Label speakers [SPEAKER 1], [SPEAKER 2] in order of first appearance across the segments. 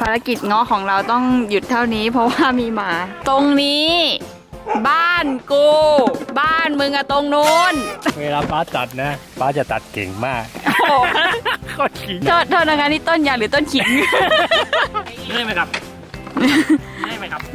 [SPEAKER 1] ารกิจง้อของเราต้องหยุดเท่านี้เพราะว่ามีหมาตรงนี้บ้านกูบ้านมึงอะตรงนู้น
[SPEAKER 2] เวลาป้าตัดนะป้าจะตัดเก่งมาก
[SPEAKER 1] โอ้โห
[SPEAKER 2] โคตรขิง
[SPEAKER 1] โทษนะคะนี่ต้นยางหรือต้นขิง
[SPEAKER 2] ได้ไหมครับได้ไหมครับ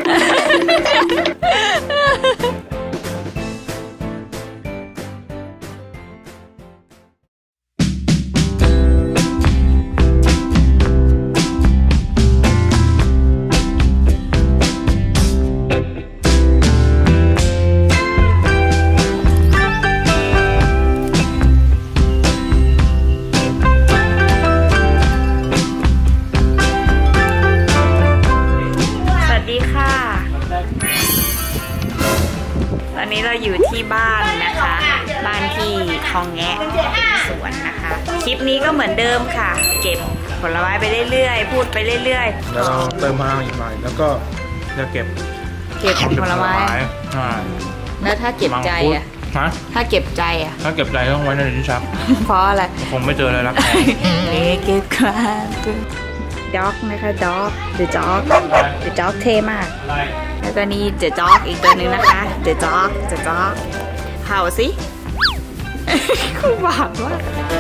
[SPEAKER 1] ตอนนี้เราอยู่ที่บ้านนะคะ บ้านที่คลองแงะสวนนะคะ คลิปนี้ก็เหมือนเดิมค่ะ เก็บผลไม้ไปเรื่อยๆพูดไปเรื่อยๆ
[SPEAKER 3] แล้วเราเติมพลังอีกหน่อยแล้วก็จะเก็บ
[SPEAKER 1] ผลไม้แล้วถ้าเก็บใจอะ
[SPEAKER 3] ฮะ
[SPEAKER 1] ถ้าเก็บใจอะ
[SPEAKER 3] ถ้าเก็บใจต้องไว้ในลิ้นชัก
[SPEAKER 1] เพราะอะไร
[SPEAKER 3] คงไม่เจอเลยรักแท้
[SPEAKER 1] เก็บความด็อกนะคะด็อกเดอะด็อกเดอะด็อกเท่มาก แล้วก็นี่เดอะด็อกอีกตัวหนึ่งนะคะเดอะด็อกเห่าสิ คู่บาปว่าก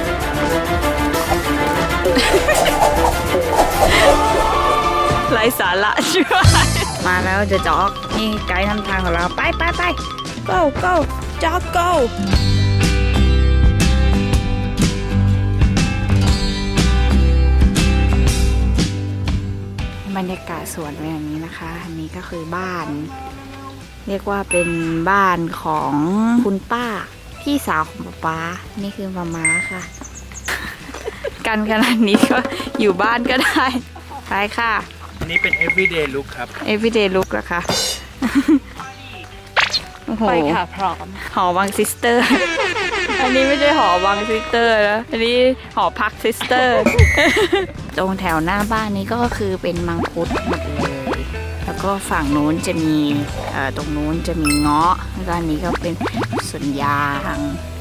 [SPEAKER 1] ไร้สาระช่วยมาแล้วเดอะด็อกนี่ไกด์นำทางของเราไป go dog go บรรยากาศสวนเป็นอย่างนี้นะคะอันนี้ก็คือบ้าน เรียกว่าเป็นบ้านของคุณป้าพี่สาวของป๊านี่คือมาม่าค่ะ กันขนาดนี้ก็อยู่บ้านก็ได้ไปค่ะ
[SPEAKER 2] อันนี้เป็น everyday look ครับ
[SPEAKER 1] everyday look เหรอคะ โอ้โห
[SPEAKER 4] ไปค่ะพร้อม
[SPEAKER 1] หอวังซิสเตอร์ อันนี้ไม่ใช่หอวังซิสเตอร์นะอันนี้หอพักซิสเตอร์ ตรงแถวหน้าบ้านนี้ก็คือเป็นมังคุดหมดเลยแล้วก็ฝั่งนู้นจะมีตรงนู้นจะมีเงาะแล้วก็อันนี้ก็เป็นสวนยาง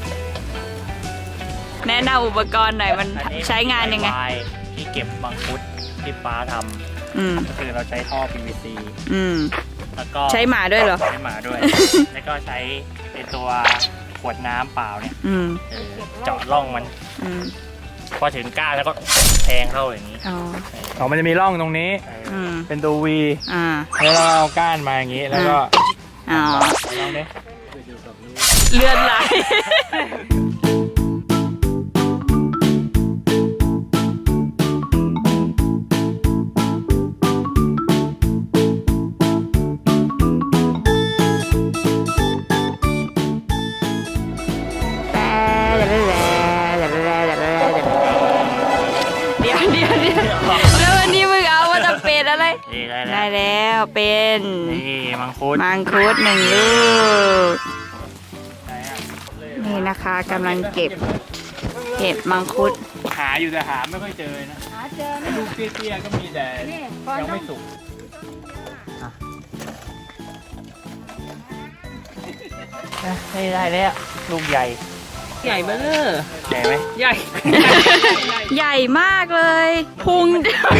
[SPEAKER 1] แนะนำอุปกรณ์หน่อยมันใช้งานยังไง
[SPEAKER 2] ที่เก็บมังคุดที่ป้าท
[SPEAKER 1] อืม
[SPEAKER 2] ำก็คือเราใช้ท่อ PVC
[SPEAKER 1] อืม
[SPEAKER 2] แล้วก็
[SPEAKER 1] ใช้หมาด้วยเหรอ
[SPEAKER 2] ใช้หมาด้วย แล้วก็ใช้ในตัวขวดน้ำเปล่าเนี่ย
[SPEAKER 1] อืม
[SPEAKER 2] เจาะร่องมัน
[SPEAKER 1] อืม
[SPEAKER 2] พอถึงก้านแล้วก็แทงเข้าอย่างนี้
[SPEAKER 1] อ๋อ
[SPEAKER 3] มันจะมีร่องตรงนี้
[SPEAKER 1] อืม
[SPEAKER 3] เป็นตัว V
[SPEAKER 1] อ่า
[SPEAKER 3] แล้วเราเอาก้านมาอย่างนี้แล้วก็
[SPEAKER 1] อ๋อ
[SPEAKER 3] ลองดิ
[SPEAKER 1] เลือดไหล เดี๋ยวแล้ววันนี้มึงเอาว่าจะเป็นอะไร
[SPEAKER 2] นี่ได้
[SPEAKER 1] ได้
[SPEAKER 2] แล้ว
[SPEAKER 1] แล้วเป็น
[SPEAKER 2] นี่มังคุด
[SPEAKER 1] มังคุด1 ลูก นี่นะคะกำลังเก็บมังคุด
[SPEAKER 3] หาอยู่แต่หาไม่ค่อยเจอนะลูกเตี้ยๆก็มีแต่ยังไม่สุก
[SPEAKER 2] นี่ได้แล้วลูกใหญ่
[SPEAKER 4] ใหญ่เบ้อ
[SPEAKER 2] ใหญ่ไหม
[SPEAKER 4] ใหญ่
[SPEAKER 1] ใหญ่มากเลยพุง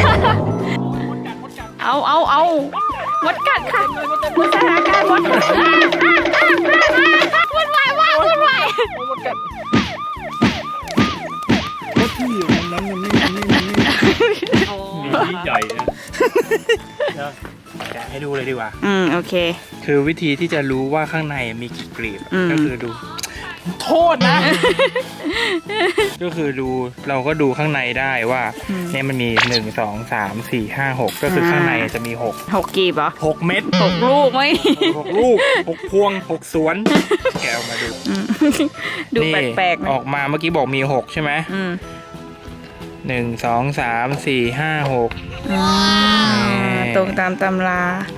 [SPEAKER 1] เอามดกัดค่ะสถานการณ์มดวุ่นวาย
[SPEAKER 3] นี่ใหญ่นะ
[SPEAKER 2] แกะให้ดูเลยดีกว่า
[SPEAKER 1] โอเค
[SPEAKER 2] คือวิธีที่จะรู้ว่าข้างในมีกี่กลีบ ก็คือดู
[SPEAKER 3] โทษนะ
[SPEAKER 2] ก็คือดูเราก็ดูข้างในได้ว่าเนี่ยมันมี1 2 3 4 5 6ก็คือข้างในจะมี
[SPEAKER 1] 6 กีบเหรอ
[SPEAKER 2] 6เม็ด
[SPEAKER 1] 6 ลูกไหม
[SPEAKER 2] 6ลูก6พวง6สวนแกะออกมาดู
[SPEAKER 1] ดู
[SPEAKER 2] นี่
[SPEAKER 1] แปลกๆนะ
[SPEAKER 2] ออกมาเมื่อกี้บอกมี6ใช่ไหม1 2 3 4 5 6
[SPEAKER 1] ตรงตามตำรา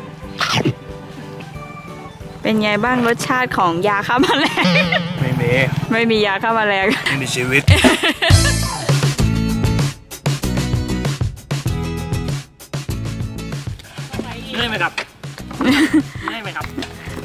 [SPEAKER 1] เป็นไงบ้างรสชาติของยาฆ่าแมลง ไม่มียาฆ่าแมลง
[SPEAKER 2] ไม่มีชีวิต ได้ไหมครับ ได้ไหมครับ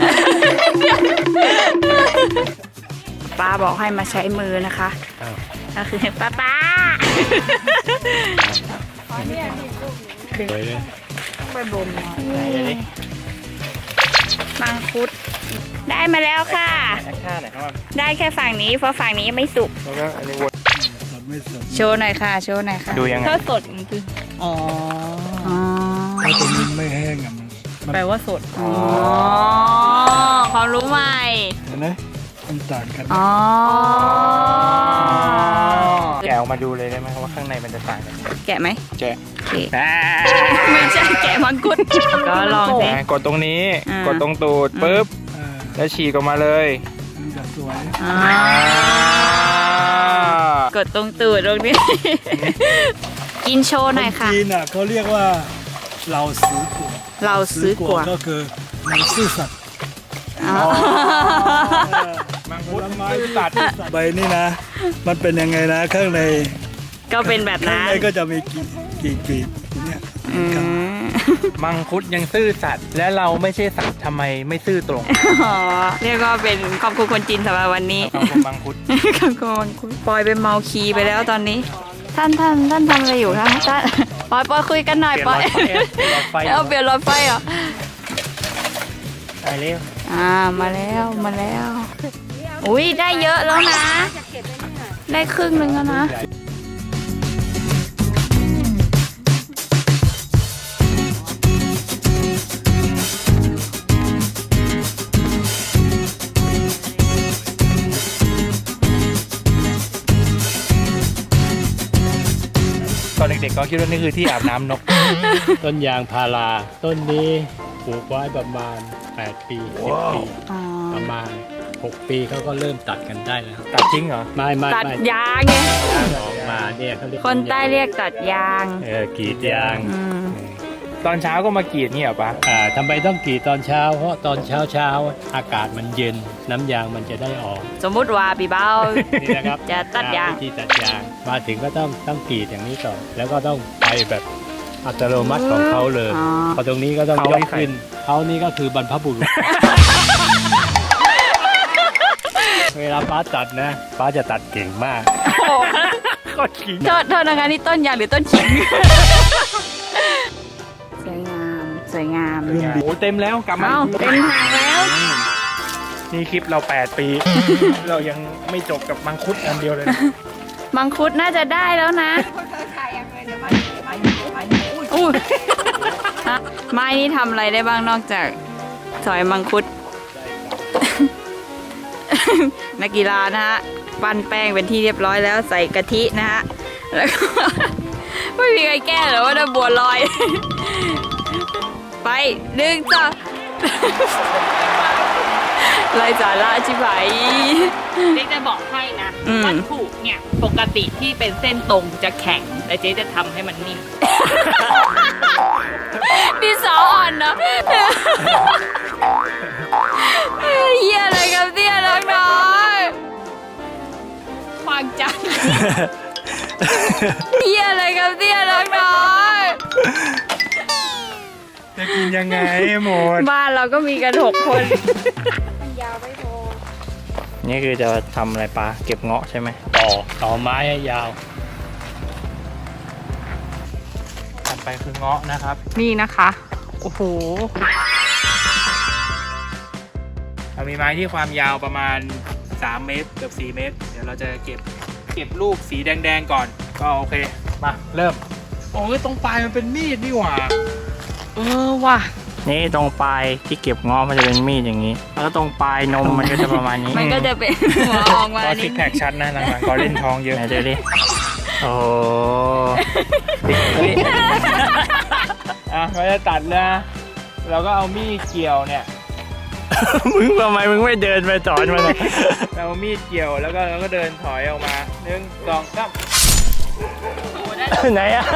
[SPEAKER 1] ป้าบอกให้มาใช้มือนะคะก็คือป้า
[SPEAKER 3] สวยเลย
[SPEAKER 1] ไปบน
[SPEAKER 2] ไหนดูดิ
[SPEAKER 1] มังคุดได้มาแล้วค่ะ
[SPEAKER 2] แอคท่าไหนอยครับ
[SPEAKER 1] ได้แค่ฝั่งนี้เพราะฝั่งนี้ยังไม่สุก
[SPEAKER 2] แล้วก็อันนี้วน
[SPEAKER 1] โชว์หน่อยค่ะ โชว์หน่อยค่ะ
[SPEAKER 2] ดูยังไง
[SPEAKER 4] ถ้าสดมันคืออ๋อ
[SPEAKER 1] อ๋อ
[SPEAKER 3] ถ้าตรงนี้ไม่แห้งอ่ะมัน
[SPEAKER 4] แปลว่าสด
[SPEAKER 1] อ๋อความรู้ใหม่
[SPEAKER 3] เห็นไหมมันต่างกัน
[SPEAKER 1] อ๋อ
[SPEAKER 2] แกะออกมาดูเลยได้ไหมครับว่าข้างในมันจะต่างกัน
[SPEAKER 1] แกะไหม
[SPEAKER 2] แกะ
[SPEAKER 1] โอเค
[SPEAKER 2] อ่า
[SPEAKER 1] ไม่ใช่แกะมังคุดก็ลองสิ
[SPEAKER 2] กดตรงนี้
[SPEAKER 1] อ่าก
[SPEAKER 2] กดตรงตูดปุ๊บ
[SPEAKER 3] อ่า
[SPEAKER 2] แล้วฉีกออกมาเลย
[SPEAKER 3] มันจะสวย
[SPEAKER 1] อ่ากดตรงตูดตรงนี้ กินโชว์หน่อยค่ะ
[SPEAKER 3] นจีนอ่ะเขาเรียกว่าเราซื้อกว
[SPEAKER 1] เราซื้อกว่า
[SPEAKER 3] ก็คือเราซื่อสัตย์
[SPEAKER 1] อ๋อ
[SPEAKER 2] มังคุดไม้ตัด
[SPEAKER 3] ใบนี่นะ มันเป็นยังไงนะข้างใน
[SPEAKER 1] ก็เป็นแบบ
[SPEAKER 3] ข้าง
[SPEAKER 1] นั้น
[SPEAKER 3] ในก็จะมีกลีบอย่างเนี่ย
[SPEAKER 1] อืม
[SPEAKER 2] มังคุดยังซื่อสัตย์และเราไม่ใช่สัตว์ทำไมไม่ซื่อตรง
[SPEAKER 1] อ๋อเรียกว่าเป็นขอบคุณคนจีนสำหรับวันนี้
[SPEAKER 2] คำคมมังคุด
[SPEAKER 1] ขอบคุณปอยเป็นเมาคีไปแล้วตอนนี้ ท่านทำอะไรอยู่คะท่านปอยคุยกันหน่อย
[SPEAKER 2] เปลี่ยน
[SPEAKER 1] ป
[SPEAKER 2] ห
[SPEAKER 1] อ
[SPEAKER 2] ล
[SPEAKER 1] ย
[SPEAKER 2] อดไฟหลอดไฟ
[SPEAKER 1] เอาเปลี่ยนรถไฟเหรอ
[SPEAKER 2] ตายเร็ว
[SPEAKER 1] มาแล้วมาแล้ว อุ้ยได้เยอะแล้วนะ ได้ครึ่งหนึ่งแล้วนะ
[SPEAKER 2] ตอนเด็กๆก็คิดว่านี่คือที่อาบน้ำนก
[SPEAKER 3] ต้นยางพาราต้นนี้ปลูกไว้ประมาณ 8 ปี 10 ปี
[SPEAKER 1] อ๋อ
[SPEAKER 3] ประมาณ 6 ปีเขาก็เริ่มตัดกันได้แล้ว
[SPEAKER 2] ตัดทิ้งเหรอ
[SPEAKER 3] ไม่
[SPEAKER 1] ตัดยางไง
[SPEAKER 3] ออกมาเนี่ยเขาเรียก
[SPEAKER 1] คนใต้เรียกตัดยาง
[SPEAKER 3] กรีดยาง
[SPEAKER 1] อืม
[SPEAKER 2] ตอนเช้าก็มากรีดนี่เหรอปะ
[SPEAKER 3] ทำไมต้องกรีดตอนเช้า เพราะตอนเช้าอากาศมันเย็นน้ำยางมันจะได้ออก
[SPEAKER 1] สมมุติว่าพี่เบ้า
[SPEAKER 3] นี่นะครับ
[SPEAKER 1] จะตัดยาง
[SPEAKER 3] วิธีตัดยางมาถึงก็ต้องกรีดอย่างนี้ก่อนแล้วก็ต้องไปแบบอัตโนมัติของเขาเลย
[SPEAKER 1] อ๋อ
[SPEAKER 3] พอตรงนี้ก็ต้องยกขึ้นเขานี่ก็คือบรรพบุรุษ เวลาป้าตัดนะป้าจะตัดเก่งมาก
[SPEAKER 1] โอ้
[SPEAKER 2] ก็ขิง
[SPEAKER 1] โทษนะคะนี่ต้นยางหรือต้นขิง สวยงาม สวยงาม
[SPEAKER 2] โอ้เต็มแล้วกลับมา
[SPEAKER 1] เอ้าเต็มทางแล้ว
[SPEAKER 2] นี่คลิปเรา 8 ปี เรายังไม่จบกับมังคุดอันเดียวเลยนะ
[SPEAKER 1] มังคุดน่าจะได้แล้วนะอู้ฮะไม้นี่ทำอะไรได้บ้างนอกจากสอยมังคุด นักกีฬานะฮะ ปั้นแป้งเป็นที่เรียบร้อยแล้วใส่กะทินะฮะ แล้วก็ ไม่มีใครแก้หรอกว่าจะบัวลอย ไปดึงจ้ะ ไรสาระชิบหาย
[SPEAKER 4] เจ๊จะบอกให้นะ
[SPEAKER 1] อืม
[SPEAKER 4] วัตถุเนี่ยปกติที่เป็นเส้นตรงจะแข็งแต่เจ๊จะทำให้มันนิ่ม
[SPEAKER 1] ดินสออ่อนเนาะ เฮียอะไรกับเตี้ยน้องน้อยควางจัง เฮียอะไรกับเตี้ยน้องน้อย
[SPEAKER 2] จะกินยังไงหมด
[SPEAKER 1] บ้านเราก็มีกัน6 คน
[SPEAKER 2] นี่คือจะทำอะไรปะเก็บเงาะใช่ไหม
[SPEAKER 3] ต่อไม้ให้ยาว
[SPEAKER 2] ถัดไปคือเงาะนะครับ
[SPEAKER 1] นี่นะคะ โอ้โห
[SPEAKER 2] เรามีไม้ที่ความยาวประมาณ 3 เมตรเกือบ4 เมตร เดี๋ยวเราจะเก็บลูกสีแดงๆก่อน ก็โอเค มาเริ่ม โอ้ยตรงปลายมันเป็นมีดนี่หว่า
[SPEAKER 1] ว่ะ
[SPEAKER 2] นี่ตรงปลายที่เก็บเงาะมันจะเป็นมีดอย่างนี้ แล้วตรงปลายนมมันก็จะประมาณนี้
[SPEAKER 1] มันก็จะเป็นหัวออกมา
[SPEAKER 2] ก็
[SPEAKER 1] นิ
[SPEAKER 2] ซิ
[SPEAKER 1] ด
[SPEAKER 2] กแพคชัดนะหลังๆก็เล่นท้องเยอะไหนเจอดิโอ้โหอ่ะเราจะตัดนะเราก็เอามีดเกี่ยวเนี่ย มึงทำไมมึงไม่เดินไปสอนมันเลยเราเอามีดเกี่ยวแล้วก็เราก็เดินถอยออกมา1 2 3ไหนอ่ะ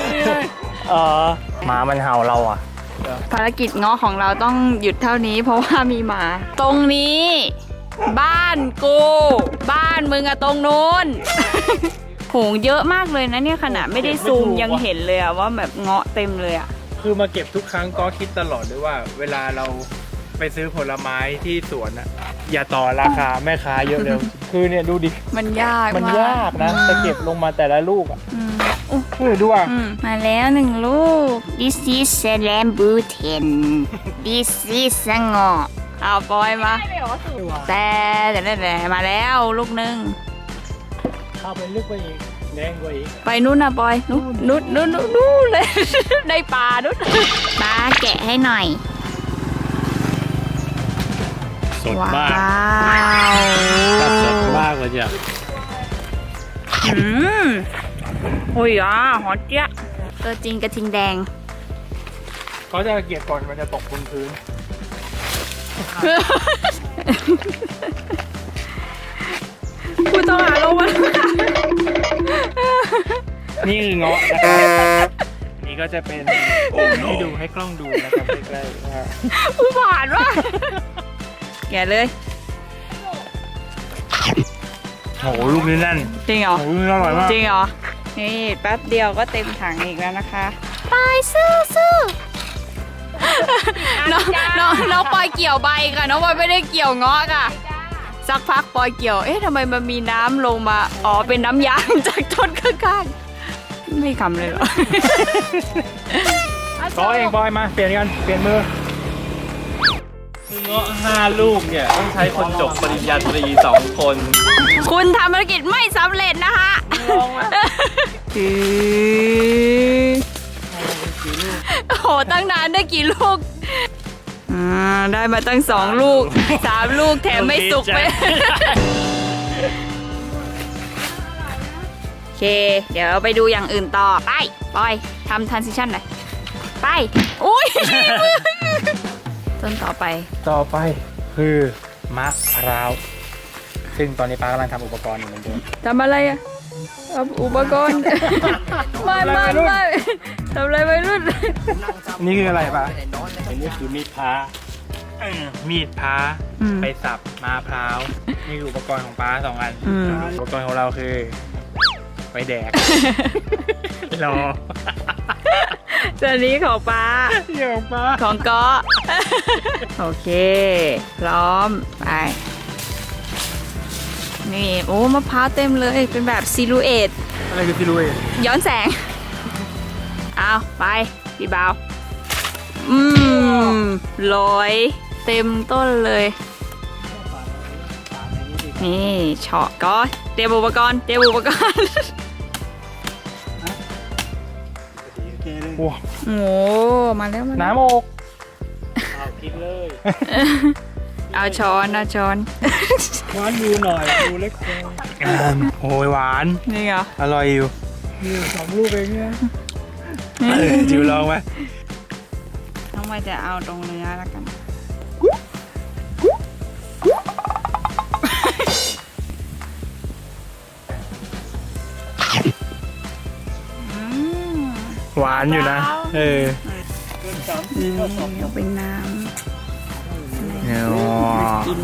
[SPEAKER 2] หมามันเห่าเราอ่ะ
[SPEAKER 1] ภารกิจเงาะของเราต้องหยุดเท่านี้เพราะว่ามีหมา ตรงนี้ บ้านกู บ้านมึงอะตรงนู้น โหงเยอะมากเลยนะเนี่ยขนาดไม่ได้ซูมยังเห็นเลยอะว่าแบบเงาะเต็มเลยอะ
[SPEAKER 2] คือมาเก็บทุกครั้งก็คิดตลอดด้วยว่า เวลาเราไปซื้อผลไม้ที่สวนอ่ะ อย่าต่อราคาแม่ค้าเยอะเร็ว คือเนี่ยดูดิ
[SPEAKER 1] มันยาก
[SPEAKER 2] มัน
[SPEAKER 1] มาก
[SPEAKER 2] ยากนะจะเก็บลงมาแต่ละลูกอ่ะ
[SPEAKER 1] อืมอุ๊ย
[SPEAKER 2] ดูอ่ะ
[SPEAKER 1] มาแล้วหนึ่งลูก This is rambutan This is สงอเอาปอยมา แต่มาแล้วลูกหนึ่ง
[SPEAKER 3] เข้าไปลึกไปอีกแดงกว่าอีก
[SPEAKER 1] ไปนู่นนะปอยนู่นเลย ในป่านู่นป้าแกะให้หน่อย
[SPEAKER 3] สด
[SPEAKER 1] ว้าม
[SPEAKER 3] าก
[SPEAKER 1] ว
[SPEAKER 3] กัดสดมากเลยจ้ะ
[SPEAKER 1] อุ้ยหอมเจี๊ยะตัวจริงกระทิงแดง
[SPEAKER 2] เขาจะเก็บก่อนมันจะตกบนพื้น
[SPEAKER 1] คุณต้องหาลงมา
[SPEAKER 2] นี่คือเงาะนะครับนี่ก็จะเป็นให้ดูให้กล้องดูนะครับใกล้ๆว่า
[SPEAKER 1] ผู้ผ่านว่ะแกะเลย
[SPEAKER 2] โหลูกนี้แน่น
[SPEAKER 1] จริงเหรอ
[SPEAKER 2] โหลูกนี้อร่อยมาก
[SPEAKER 1] จริงเหรอ นี่แป๊บเดียวก็เต็มถังอีกแล้วนะคะปอยสู้น้องปอยเกี่ยวใบค่ะน้องปอยไม่ได้เกี่ยวเงาะค่ะ สักพักปอยเกี่ยว เอ๊ะทำไมมันมีน้ำลงมา อ๋อ เป็นน้ำยางจากต้นข้างๆ ไม่ขำเลยเหรอ
[SPEAKER 2] บอยเองบอยมาเปลี่ยนกันเปลี่ยนมือ
[SPEAKER 3] คือเงาะ5 ลูกเนี่ยต้องใช้คนจบปริญญาตรี2 คน
[SPEAKER 1] คุณทำภารกิจไม่สำเร็จนะคะโอ้โห ตั้งนานได้กี่ลูก ได้มาตั้ง2 ลูก 3 ลูกแถมไม่สุกไป โอเค เดี๋ยวไปดูอย่างอื่นต่อ ไปปอยทำ transition หน่อย ไป อุ้ย ต้นต่อไป
[SPEAKER 2] ต่อไปคือมะพร้าวซึ่งตอนนี้ป้ากำลังทำอุปกรณ์อยู่เหมือนเดิม
[SPEAKER 1] ทำอะไรอะเอาอุปกรณ์ ไม่ทำอะไรไปรุ่น
[SPEAKER 2] นี่คืออะไรป้า
[SPEAKER 3] อันนี้คือมีดพระ
[SPEAKER 2] มีดพ้าไปสับมะพร้าวนี่คืออุปกรณ์ของป้า2 อันอุปกรณ์ของเราคือไปแดกรอ
[SPEAKER 1] ส่วนนี้ของป้า
[SPEAKER 2] เดี๋ยวป้า
[SPEAKER 1] ของก๊อ โอเค พร้อม ไป นี่ โอ้มะพร้าวเต็มเลย เป็นแบบซิลูเอต
[SPEAKER 2] อะไรคือซิลูเอต
[SPEAKER 1] ย้อนแสง เอาไปพี่บ่าว ลอยเต็มต้นเลย นี่เฉาะก็เตรียมอุปกรณ์
[SPEAKER 2] ว้า
[SPEAKER 1] โอ้มาแล้ว
[SPEAKER 2] น้ำอก
[SPEAKER 3] เอากินเลย
[SPEAKER 1] เอาช้อน
[SPEAKER 3] หวานดูหน่อยดูเล็กเกิน
[SPEAKER 2] โอ้ยหวาน
[SPEAKER 1] นี่เหรอ
[SPEAKER 2] อร่อยอยู่
[SPEAKER 3] นี่2 ลูกเองเนี่ย
[SPEAKER 2] จิ๋วลองไหม
[SPEAKER 1] น้องมาจะเอาตรงเนื้อแล้วกัน
[SPEAKER 2] หวานอยู่นะ เออ
[SPEAKER 1] เอาเป็นน้ำ กิน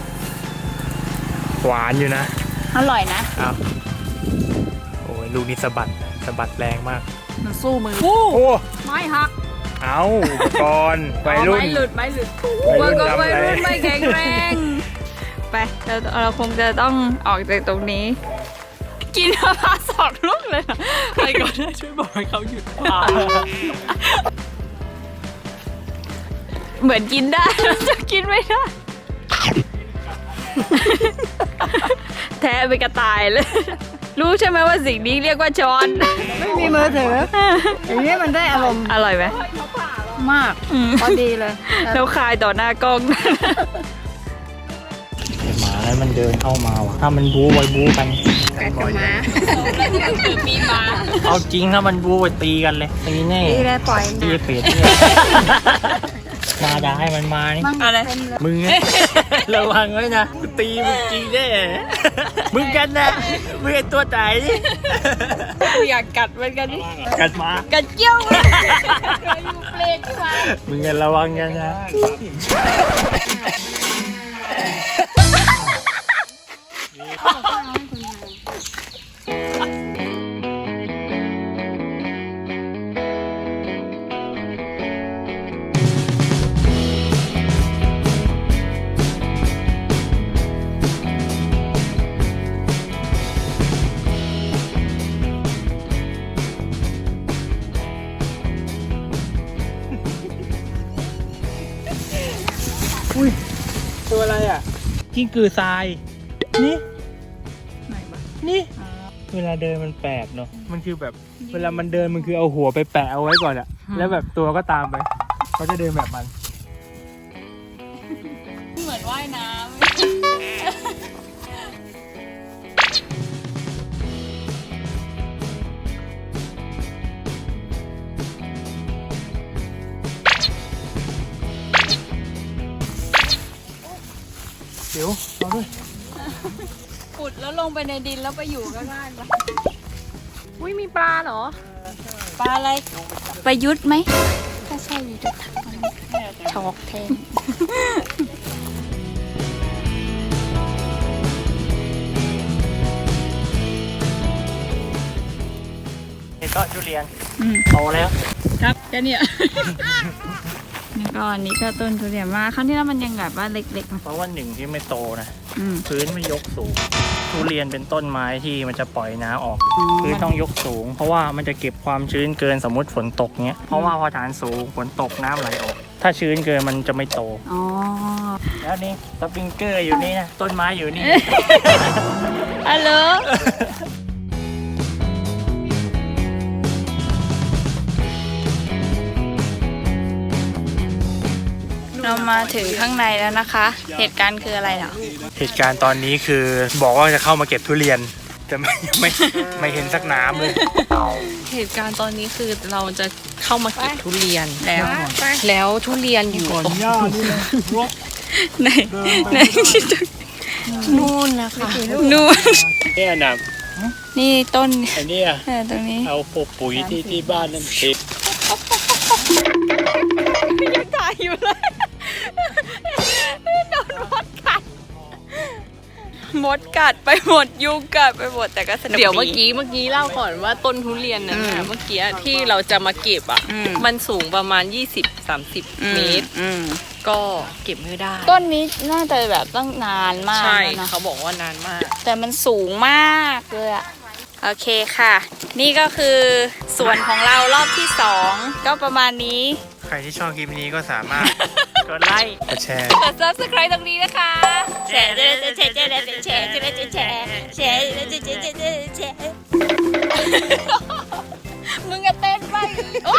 [SPEAKER 2] หวานอยู่นะ
[SPEAKER 1] อร่อยนะ
[SPEAKER 2] อ้าวโอ้ยลูกนี้สะบัดแรงมาก
[SPEAKER 1] มันสู้มือ
[SPEAKER 2] โอ้
[SPEAKER 1] ไม้หัก
[SPEAKER 2] เอาอุปกรณ์วัยรุ่น
[SPEAKER 1] ไม้หลุด
[SPEAKER 2] วัย
[SPEAKER 1] วั
[SPEAKER 2] รุ่
[SPEAKER 1] ย
[SPEAKER 2] นทำอะไร
[SPEAKER 1] รุ่นไม่แข็งแรง ไปเราคงจะต้องออกจากตรงนี้ กินมะพร้าว2 ลูกเลยเหรอไปก่อนนะช่วยบอกให้เขาหยุดพาเหมือนกินได้ จะกินไม่ได้ แท้เป็นกระต่ายเลย รู้ใช่ไหมว่าสิ่งนี้เรียกว่าช้อน
[SPEAKER 5] ไม่มีมือถือ อย่างนี้มันได้อารมณ์
[SPEAKER 1] อร่อยไหม
[SPEAKER 5] มาก พอดีเลย
[SPEAKER 1] แล้วคายต่อหน้ากล้อง
[SPEAKER 3] หมาแล้วมันเดินเข้ามาว่ะถ้ามันบู๊ไว้บู๊กัน
[SPEAKER 1] มีมา
[SPEAKER 3] เอาจริงถ้ามันบู๊ไปตีกันเลยตีแน่
[SPEAKER 5] ดีเลยปล่อย
[SPEAKER 3] ตีเป็ดเนี่ยมาด่าให้มันมานี่
[SPEAKER 1] อะไร
[SPEAKER 3] มึงไง ระวังไว้นะกูตีมึงจริงแน่มึงกันนะมึงไอตัวไหน
[SPEAKER 1] กูอยากกัดมันกันนี่
[SPEAKER 3] กัดมา
[SPEAKER 1] กัดเกี้ยวเลยอยู่เปลกที่มา
[SPEAKER 3] มึงกันระวังกันนะ
[SPEAKER 2] ตัวอะไรอ่ะกิ้งกือทรายนี่
[SPEAKER 1] ไหนบ้าง
[SPEAKER 2] นี่เวลาเดินมันแปลกเนาะมันคือแบบเวลามันเดินมันคือเอาหัวไปแปะเอาไว้ก่อนอะแล้วแบบตัวก็ตามไปเขาจะเดินแบบมัน
[SPEAKER 1] เหมือนว่ายน้ำ
[SPEAKER 2] เดี๋ยวเอาด้วย
[SPEAKER 1] ขุดแล้วลงไปในดินแล้วไปอยู่ข้างล่างปะ
[SPEAKER 5] อุ้ยมีปลาเหรอ
[SPEAKER 1] ปลาอะไรประยุทธ์ไหมถ้าใช่จะทักช็อกแทน
[SPEAKER 3] นี่ก็ทุเรียน
[SPEAKER 1] อืม
[SPEAKER 3] โตแล้ว
[SPEAKER 1] ครับแค่เนี้ย แล้วก็อันนี้ก็ต้นทุเรียนมาครั้งที่แล้วมันยังแบบว่าเล็ก
[SPEAKER 3] เพราะว่าหนึ่งที่ไม่โตนะ
[SPEAKER 1] ๆอืม
[SPEAKER 3] พื้นไม่ยกสูง ทุเรียนเป็นต้นไม้ที่มันจะปล่อยน้ำออก พื้นต้องยกสูง เพราะว่ามันจะเก็บความชื้นเกินสมมติฝนตกเงี้ย เพราะว่าพอฐานสูงฝนตกน้ำไหลออก ถ้าชื้นเกินมันจะไม่โต
[SPEAKER 1] อ๋อ
[SPEAKER 3] แล้วนี่สปริงเกอร์อยู่นี่นะ ต้นไม้อยู่นี่
[SPEAKER 1] ฮัลโหลเรามาถึงข้างในแล้วนะคะ เหตุการณ์คืออะไรเหรอ
[SPEAKER 2] เหตุการณ์ตอนนี้คือบอกว่าจะเข้ามาเก็บทุเรียนแต่ไม่เห็นสักน้ำเลย
[SPEAKER 4] เหตุการณ์ตอนนี้คือเราจะเข้ามาเก็บทุเรียนแล้วทุเรียนอยู่
[SPEAKER 2] ก่อนย่านี่นะรก
[SPEAKER 1] ไหนไหน
[SPEAKER 4] นู่นนะคะ
[SPEAKER 1] นู่น
[SPEAKER 3] เนี่ยนะ
[SPEAKER 1] นี่ต้น
[SPEAKER 3] อันนี้
[SPEAKER 1] ตรงนี้
[SPEAKER 3] เอาปุ๋ยที่บ้านนั่นติด
[SPEAKER 1] ยังถ่ายอยู่เลยโดนมดกัดมดกัดไปหมดยุงกัดไปหมดแต่ก็สนุก
[SPEAKER 4] เดี๋ยวเมื่อกี้เล่าก่อนว่าต้นทุเรียนนั้นน่ะเมื่อกี้ที่เราจะมาเก็บอ่ะ มันสูงประมาณ 20-30 เมตร ก็เก็บไม่ได้
[SPEAKER 1] ต้นนี้น่าจะแบบต้องนานมาก
[SPEAKER 4] ใช่
[SPEAKER 1] แล้วนะ
[SPEAKER 4] เขาบอกว่านานมาก
[SPEAKER 1] แต่มันสูงมากเลยอะโอเคค่ะ นี่ก็คือส่วนของเรารอบที่ 2 ก็ประมาณนี้
[SPEAKER 2] ใครที่ชอบคลิปนี้ก็สามารถ
[SPEAKER 3] กดไลค์
[SPEAKER 2] กดแชร์
[SPEAKER 1] กด subscribe ตรงนี้นะคะ แชร์แชร์แชร์แชร์แชร์แชร์แชร์แชร์แชร์แชร์มึงอะเต้นไปโอ๊